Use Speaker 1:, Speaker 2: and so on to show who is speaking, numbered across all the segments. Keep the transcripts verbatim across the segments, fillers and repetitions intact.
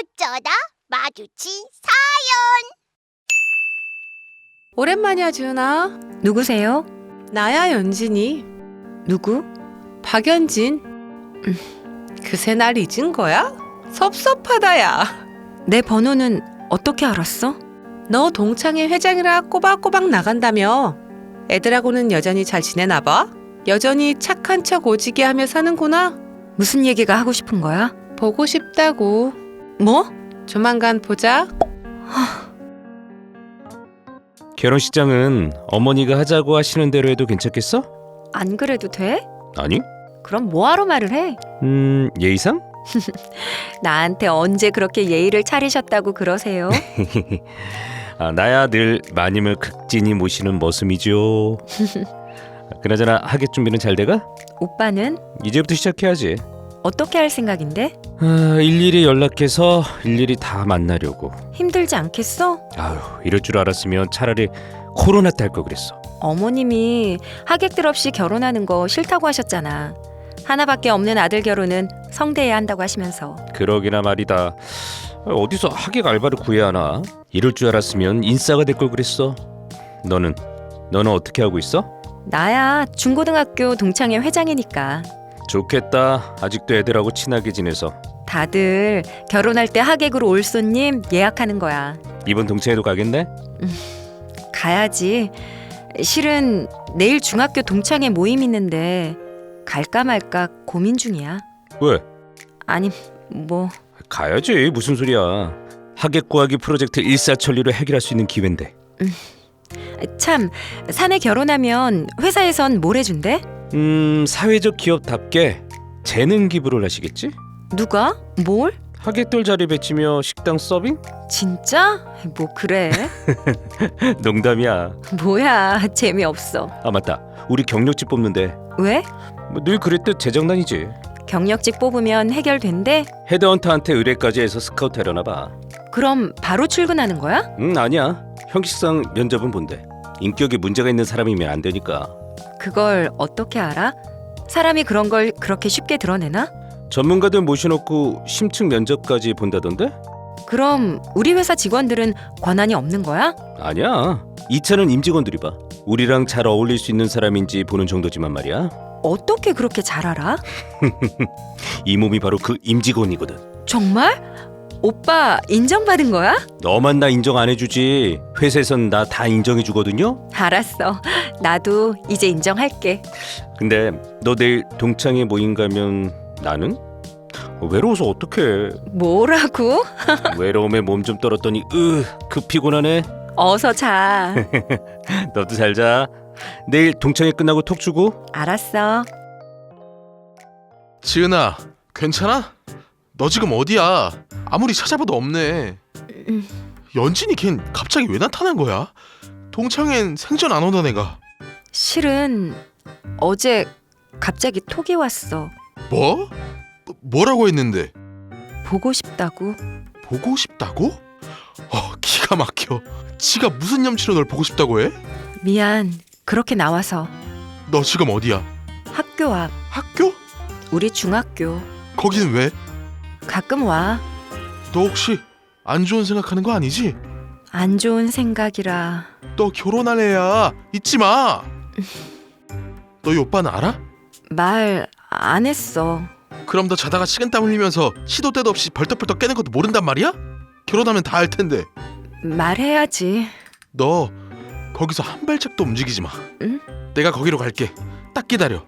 Speaker 1: 어쩌다 마주친
Speaker 2: 오랜만이야, 지은아.
Speaker 3: 누구세요?
Speaker 2: 나야, 연진이.
Speaker 3: 누구?
Speaker 2: 박연진. 음, 그새 날 잊은 거야? 섭섭하다, 야.
Speaker 3: 내 번호는 어떻게 알았어?
Speaker 2: 너 동창회 회장이라 꼬박꼬박 나간다며. 애들하고는 여전히 잘 지내나 봐? 여전히 착한 척 오지게 하며 사는구나.
Speaker 3: 무슨 얘기가 하고 싶은 거야?
Speaker 2: 보고 싶다고.
Speaker 3: 뭐?
Speaker 2: 조만간 보자.
Speaker 4: 결혼식장은 어머니가 하자고 하시는 대로 해도 괜찮겠어?
Speaker 3: 안 그래도 돼?
Speaker 4: 아니?
Speaker 3: 그럼 뭐하러 말을 해?
Speaker 4: 음, 예의상?
Speaker 3: 나한테 언제 그렇게 예의를 차리셨다고 그러세요?
Speaker 4: 아, 나야 늘 마님을 극진히 모시는 머슴이죠. 그나저나 하객 준비는 잘 돼가?
Speaker 3: 오빠는
Speaker 4: 이제부터 시작해야지.
Speaker 3: 어떻게 할 생각인데?
Speaker 4: 아, 일일이 연락해서 일일이 다 만나려고.
Speaker 3: 힘들지 않겠어?
Speaker 4: 아유, 이럴 줄 알았으면 차라리 코로나 때 할 걸 그랬어.
Speaker 3: 어머님이 하객들 없이 결혼하는 거 싫다고 하셨잖아. 하나밖에 없는 아들 결혼은 성대해야 한다고 하시면서.
Speaker 4: 그러기나 말이다. 어디서 하객 알바를 구해야 하나? 이럴 줄 알았으면 인싸가 될 걸 그랬어. 너는? 너는 어떻게 하고 있어?
Speaker 3: 나야 중고등학교 동창회 회장이니까.
Speaker 4: 좋겠다. 아직도 애들하고 친하게 지내서.
Speaker 3: 다들 결혼할 때 하객으로 올 손님 예약하는 거야.
Speaker 4: 이번 동창회도 가겠네?
Speaker 3: 가야지. 실은 내일 중학교 동창회 모임 있는데 갈까 말까 고민 중이야.
Speaker 4: 왜?
Speaker 3: 아니 뭐
Speaker 4: 가야지. 무슨 소리야. 하객 구하기 프로젝트 일사천리로 해결할 수 있는 기회인데.
Speaker 3: 참 사내 결혼하면 회사에선 뭘 해준대?
Speaker 4: 음, 사회적 기업답게 재능 기부를 하시겠지?
Speaker 3: 누가? 뭘?
Speaker 4: 하객들 자리 배치며 식당 서빙?
Speaker 3: 진짜? 뭐 그래?
Speaker 4: 농담이야.
Speaker 3: 뭐야 재미없어.
Speaker 4: 아 맞다. 우리 경력직 뽑는데
Speaker 3: 왜?
Speaker 4: 뭐 늘 그랬듯 재장난이지.
Speaker 3: 경력직 뽑으면 해결된대?
Speaker 4: 헤드헌터한테 의뢰까지 해서 스카우트 하려나 봐.
Speaker 3: 그럼 바로 출근하는 거야?
Speaker 4: 음 아니야. 형식상 면접은 본대. 인격에 문제가 있는 사람이면 안 되니까.
Speaker 3: 그걸 어떻게 알아? 사람이 그런 걸 그렇게 쉽게 드러내나?
Speaker 4: 전문가들 모셔놓고 심층 면접까지 본다던데?
Speaker 3: 그럼 우리 회사 직원들은 권한이 없는 거야?
Speaker 4: 아니야. 이 차는 임직원들이 봐. 우리랑 잘 어울릴 수 있는 사람인지 보는 정도지만 말이야.
Speaker 3: 어떻게 그렇게 잘 알아?
Speaker 4: 이 몸이 바로 그 임직원이거든.
Speaker 3: 정말? 오빠 인정받은 거야?
Speaker 4: 너만 나 인정 안 해주지. 회사에선 나 다 인정해주거든요.
Speaker 3: 알았어. 나도 이제 인정할게.
Speaker 4: 근데 너 내일 동창회 모임 가면 나는? 외로워서 어떡해.
Speaker 3: 뭐라고?
Speaker 4: 외로움에 몸 좀 떨었더니 으, 그 피곤하네.
Speaker 3: 어서 자.
Speaker 4: 너도 잘 자. 내일 동창회 끝나고 톡 주고.
Speaker 3: 알았어.
Speaker 5: 지은아, 괜찮아? 너 지금 어디야? 아무리 찾아봐도 없네.
Speaker 3: 음.
Speaker 5: 연진이 걘 갑자기 왜 나타난 거야? 동창회엔 생전 안 오던 애가.
Speaker 3: 실은 어제 갑자기 톡이 왔어.
Speaker 5: 뭐? 뭐- 뭐라고 했는데?
Speaker 3: 보고 싶다고.
Speaker 5: 보고 싶다고? 어, 기가 막혀. 지가 무슨 염치로 널 보고 싶다고 해?
Speaker 3: 미안. 그렇게 나와서.
Speaker 5: 너 지금 어디야?
Speaker 3: 학교 앞.
Speaker 5: 학교?
Speaker 3: 우리 중학교.
Speaker 5: 거기는 왜?
Speaker 3: 가끔 와.
Speaker 5: 너 혹시 안 좋은 생각하는 거 아니지?
Speaker 3: 안 좋은 생각이라.
Speaker 5: 너 결혼할 애야. 잊지 마. 너희 오빠는 알아?
Speaker 3: 말 안 했어.
Speaker 5: 그럼 너 자다가 식은땀 흘리면서 시도 때도 없이 벌떡벌떡 깨는 것도 모른단 말이야? 결혼하면 다 알 텐데.
Speaker 3: 말해야지.
Speaker 5: 너 거기서 한 발짝도 움직이지 마.
Speaker 3: 응?
Speaker 5: 내가 거기로 갈게. 딱 기다려.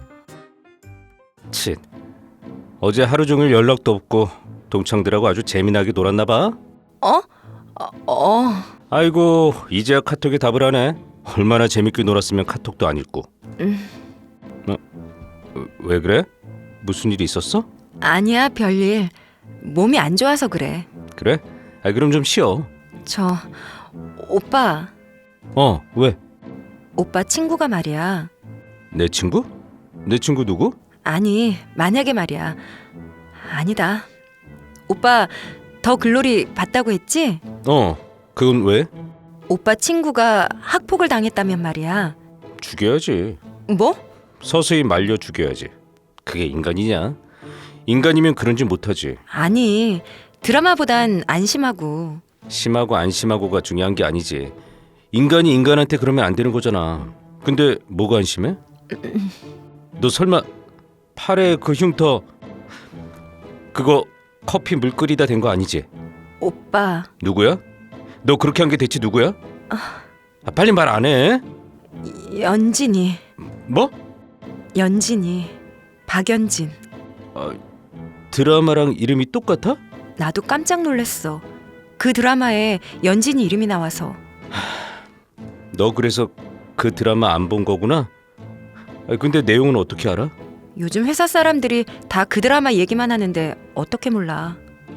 Speaker 4: 칫. 어제 하루 종일 연락도 없고 동창들하고 아주 재미나게 놀았나 봐.
Speaker 3: 어? 어, 어.
Speaker 4: 아이고 이제야 카톡에 답을 하네. 얼마나 재밌게 놀았으면 카톡도 안 읽고.
Speaker 3: 음.
Speaker 4: 어? 왜 그래? 무슨 일이 있었어?
Speaker 3: 아니야 별일. 몸이 안 좋아서 그래.
Speaker 4: 그래? 아 그럼 좀 쉬어.
Speaker 3: 저 오빠
Speaker 4: 어 왜?
Speaker 3: 오빠 친구가 말이야.
Speaker 4: 내 친구? 내 친구 누구?
Speaker 3: 아니 만약에 말이야. 아니다. 오빠 더 글로리 봤다고 했지?
Speaker 4: 어 그건 왜?
Speaker 3: 오빠 친구가 학폭을 당했다면 말이야.
Speaker 4: 죽여야지.
Speaker 3: 뭐?
Speaker 4: 서서히 말려 죽여야지. 그게 인간이냐? 인간이면 그런 짓 못하지.
Speaker 3: 아니 드라마보단 안심하고.
Speaker 4: 심하고 안 심하고가 중요한 게 아니지. 인간이 인간한테 그러면 안 되는 거잖아. 근데 뭐가 안심해? 너 설마 팔에 그 흉터 그거 커피 물 끓이다 된 거 아니지?
Speaker 3: 오빠,
Speaker 4: 누구야? 너 그렇게 한 게 대체 누구야? 아, 빨리 말 안 해.
Speaker 3: 연진이,
Speaker 4: 뭐?
Speaker 3: 연진이, 박연진.
Speaker 4: 아, 드라마랑 이름이 똑같아?
Speaker 3: 나도 깜짝 놀랐어. 그 드라마에 연진이 이름이 나와서.
Speaker 4: 너 그래서 그 드라마 안 본 거구나? 아, 근데 내용은 어떻게 알아?
Speaker 3: 요즘 회사 사람들이 다 그 드라마 얘기만 하는데 어떻게 몰라.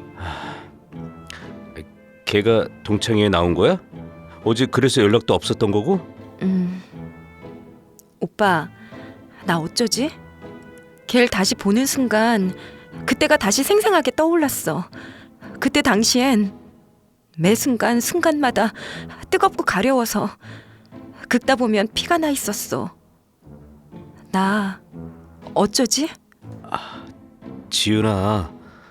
Speaker 4: 걔가 동창회에 나온 거야? 어제 그래서 연락도 없었던 거고?
Speaker 3: 음, 오빠, 나 어쩌지? 걔를 다시 보는 순간 그때가 다시 생생하게 떠올랐어. 그때 당시엔 매 순간 순간마다 뜨겁고 가려워서 긁다 보면 피가 나 있었어. 나 어쩌지?
Speaker 4: 지은아,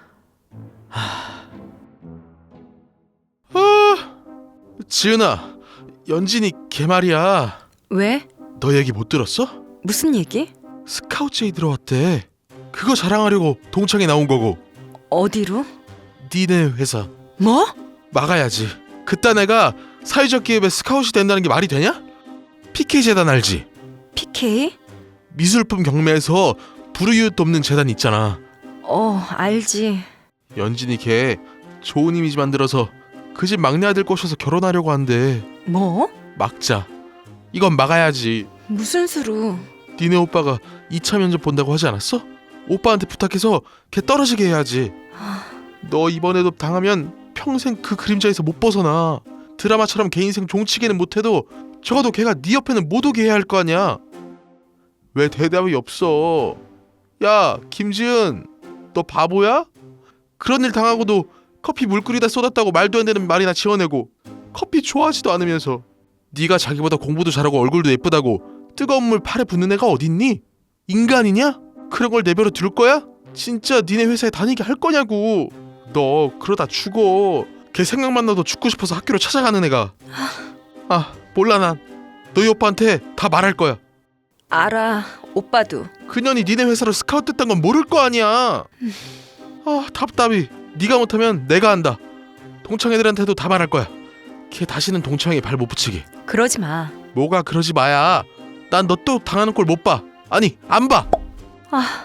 Speaker 5: 지은아, 연진이 걔 말이야.
Speaker 3: 왜?
Speaker 5: 너 얘기 못 들었어?
Speaker 3: 무슨 얘기?
Speaker 5: 스카우트제이 들어왔대. 그거 자랑하려고 동창회 나온 거고.
Speaker 3: 어디로?
Speaker 5: 니네 회사
Speaker 3: 뭐?
Speaker 5: 막아야지. 그딴 애가 사회적 기업에 스카웃이 된다는 게 말이 되냐? 피케이 재단 알지?
Speaker 3: 피케이?
Speaker 5: 미술품 경매에서 불우이웃 돕는 재단 있잖아.
Speaker 3: 어, 알지.
Speaker 5: 연진이 걔 좋은 이미지 만들어서 그 집 막내 아들 꼬셔서 결혼하려고 한대.
Speaker 3: 뭐?
Speaker 5: 막자. 이건 막아야지.
Speaker 3: 무슨 수로?
Speaker 5: 니네 오빠가 이 차 면접 본다고 하지 않았어? 오빠한테 부탁해서 걔 떨어지게 해야지. 너 이번에도 당하면 평생 그 그림자에서 못 벗어나. 드라마처럼 걔 인생 종치게는 못해도 적어도 걔가 네 옆에는 못 오게 해야 할 거 아니야. 왜 대답이 없어? 야, 김지은, 너 바보야? 그런 일 당하고도 커피 물 끓이다 쏟았다고 말도 안 되는 말이나 지어내고 커피 좋아하지도 않으면서 네가 자기보다 공부도 잘하고 얼굴도 예쁘다고 뜨거운 물 팔에 붓는 애가 어딨니? 인간이냐? 그런 걸 내버려 둘 거야? 진짜 니네 회사에 다니게 할 거냐고. 너 그러다 죽어. 걔 생각만 나도 죽고 싶어서 학교로 찾아가는 애가. 아, 몰라. 난 너희 오빠한테 다 말할 거야.
Speaker 3: 알아, 오빠도.
Speaker 5: 그년이 니네 회사로 스카우트 됐던 건 모를 거 아니야. 아, 답답이. 네가 못하면 내가 한다. 동창 애들한테도 다 말할 거야. 걔 다시는 동창회에 발 못 붙이게.
Speaker 3: 그러지 마.
Speaker 5: 뭐가 그러지 마야. 난 너 또 당하는 꼴 못 봐. 아니, 안 봐.
Speaker 3: 아,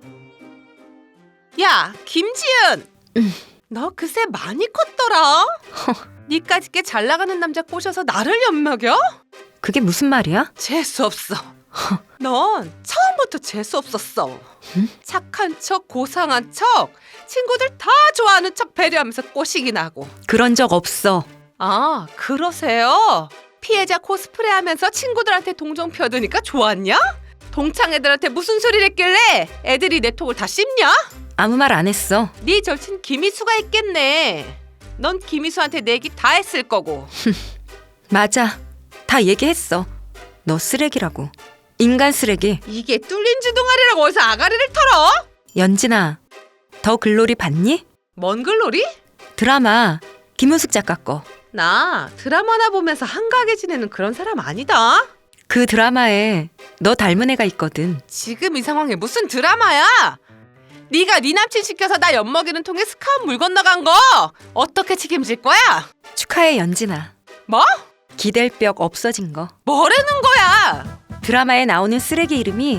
Speaker 2: 야, 김지은. 너 그새 많이 컸더라. 니까짓 게 잘 나가는 남자 꼬셔서 나를 엿먹여?
Speaker 3: 그게 무슨 말이야?
Speaker 2: 재수 없어. 넌 처음부터 재수 없었어.
Speaker 3: 응?
Speaker 2: 착한 척, 고상한 척, 친구들 다 좋아하는 척 배려하면서 꼬시긴 하고.
Speaker 3: 그런 적 없어.
Speaker 2: 아, 그러세요? 피해자 코스프레 하면서 친구들한테 동정 펴드니까 좋았냐? 동창 애들한테 무슨 소리를 했길래 애들이 내 톡을 다 씹냐?
Speaker 3: 아무 말 안 했어.
Speaker 2: 네 절친 김희수가 있겠네. 넌 김희수한테 내기 다 했을 거고.
Speaker 3: 맞아. 다 얘기했어. 너 쓰레기라고. 인간 쓰레기.
Speaker 2: 이게 뚫린 주둥아리라고 어디서 아가리를 털어?
Speaker 3: 연진아, 더 글로리 봤니?
Speaker 2: 뭔 글로리?
Speaker 3: 드라마 김은숙 작가 거.
Speaker 2: 나 드라마나 보면서 한가하게 지내는 그런 사람 아니다.
Speaker 3: 그 드라마에 너 닮은 애가 있거든.
Speaker 2: 지금 이 상황에 무슨 드라마야? 네가 네 남친 시켜서 나 엿먹이는 통에 스카웃 물 건너간 거 어떻게 책임질 거야?
Speaker 3: 축하해, 연진아.
Speaker 2: 뭐?
Speaker 3: 기댈 벽 없어진 거.
Speaker 2: 뭐라는 거야?
Speaker 3: 드라마에 나오는 쓰레기 이름이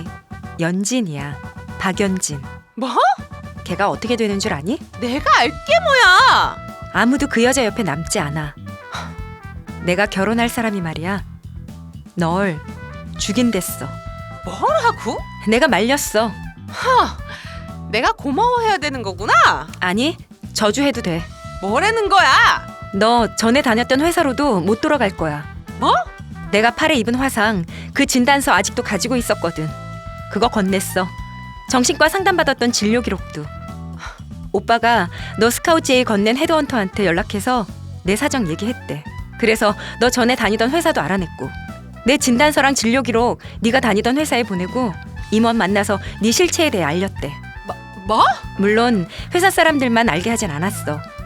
Speaker 3: 연진이야. 박연진.
Speaker 2: 뭐?
Speaker 3: 걔가 어떻게 되는 줄 아니?
Speaker 2: 내가 알게 뭐야?
Speaker 3: 아무도 그 여자 옆에 남지 않아. 내가 결혼할 사람이 말이야. 널 죽인댔어.
Speaker 2: 뭐라고?
Speaker 3: 내가 말렸어.
Speaker 2: 하, 내가 고마워해야 되는 거구나.
Speaker 3: 아니, 저주해도 돼.
Speaker 2: 뭐라는 거야?
Speaker 3: 너 전에 다녔던 회사로도 못 돌아갈 거야.
Speaker 2: 뭐?
Speaker 3: 내가 팔에 입은 화상, 그 진단서 아직도 가지고 있었거든. 그거 건넸어. 정신과 상담받았던 진료 기록도. 오빠가 너 스카우트제이 건넨 헤드헌터한테 연락해서 내 사정 얘기했대. 그래서 너 전에 다니던 회사도 알아냈고 내 진단서랑 진료 기록 네가 다니던 회사에 보내고 임원 만나서 네 실체에 대해 알렸대.
Speaker 2: 뭐?
Speaker 3: 물론 회사 사람들만 알게 하진 않았어.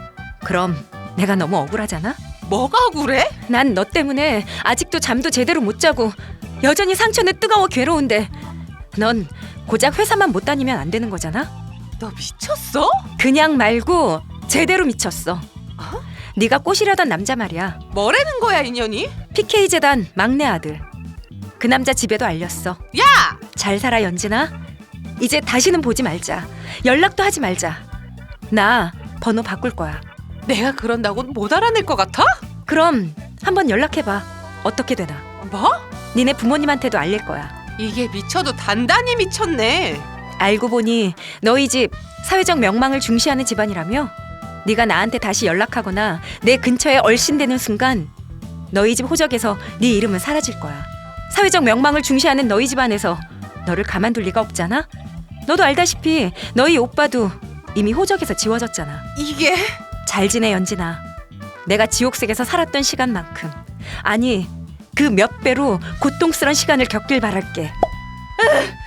Speaker 3: 그럼 내가 너무 억울하잖아?
Speaker 2: 뭐가 억울해?
Speaker 3: 난 너 때문에 아직도 잠도 제대로 못 자고 여전히 상처는 뜨거워 괴로운데 넌 고작 회사만 못 다니면 안 되는 거잖아?
Speaker 2: 너 미쳤어?
Speaker 3: 그냥 말고 제대로 미쳤어. 네가 꼬시려던 남자 말이야.
Speaker 2: 뭐라는 거야 인연이?
Speaker 3: 피케이 재단 막내 아들. 그 남자 집에도 알렸어.
Speaker 2: 야!
Speaker 3: 잘 살아 연진아. 이제 다시는 보지 말자. 연락도 하지 말자. 나 번호 바꿀 거야.
Speaker 2: 내가 그런다고 못 알아낼 것 같아?
Speaker 3: 그럼 한번 연락해봐. 어떻게 되나.
Speaker 2: 뭐?
Speaker 3: 니네 부모님한테도 알릴 거야.
Speaker 2: 이게 미쳐도 단단히 미쳤네.
Speaker 3: 알고 보니 너희 집 사회적 명망을 중시하는 집안이라며? 네가 나한테 다시 연락하거나 내 근처에 얼씬되는 순간 너희 집 호적에서 네 이름은 사라질 거야. 사회적 명망을 중시하는 너희 집안에서 너를 가만둘 리가 없잖아? 너도 알다시피 너희 오빠도 이미 호적에서 지워졌잖아.
Speaker 2: 이게
Speaker 3: 잘 지내 연진아. 내가 지옥색에서 살았던 시간만큼, 아니 그 몇 배로 고통스런 시간을 겪길 바랄게.